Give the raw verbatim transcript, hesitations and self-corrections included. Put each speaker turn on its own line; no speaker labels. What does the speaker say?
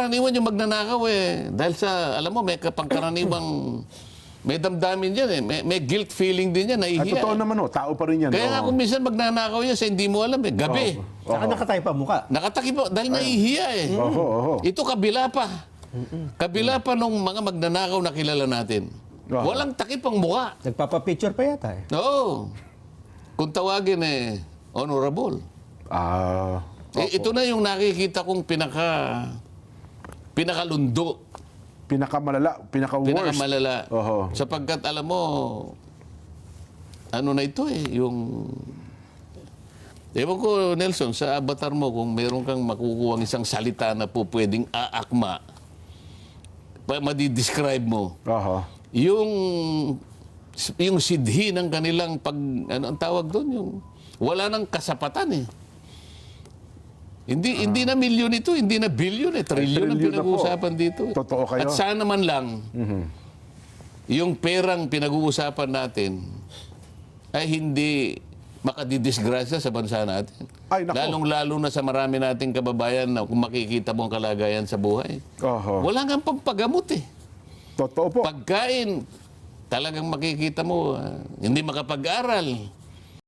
pangkaraniwan yung magnanakaw eh. Dahil sa, alam mo, may pangkaraniwang, may damdamin yan eh. May, may guilt feeling din yan,
At
nahihiya.
totoo
eh.
naman, oh, tao pa rin yan.
Kaya nga
oh.
kung minsan magnanakaw yan sa hindi mo alam eh, gabi.
Saka nakatayo pa mukha.
Nakatakip po, dahil nahihiya eh.
Oho, oho.
Ito kabila pa. Kabila pa nung mga magnanakaw na kilala natin.
Oho.
Walang takip ang mukha.
Nagpapapicture pa yata eh.
Oo. Kung tawagin eh, honorable.
Ah,
Eh, ito na yung nakikita kong pinaka, pinakalundo.
pinakamalala, pinaka-worst.
Pinakamalala.
Oho.
Sapagkat alam mo, ano na ito eh, yung... Ewan ko, Nelson, sa avatar mo, kung meron kang makukuha isang salita na po pwedeng aakma, pa madi-describe mo,
Oho.
yung, yung sidhi ng kanilang pag... Ano ang tawag doon? Yung, wala nang kasapatan eh. Hindi hindi na milyon ito, hindi na bilyon eh, trilyon ang
trilyon na po.
pinag-uusapan dito. eh.
Totoo kayo.
At sana man lang, yung perang pinag-uusapan natin ay hindi makadidisgrasya sa bansa natin.
Ay, nako.
Lalong-lalo na sa marami nating kababayan na kung makikita mo ang kalagayan sa buhay.
Oho.
Wala nga pampagamot eh.
Totoo po.
Pagkain, talagang makikita mo, ah, hindi makapag-aral.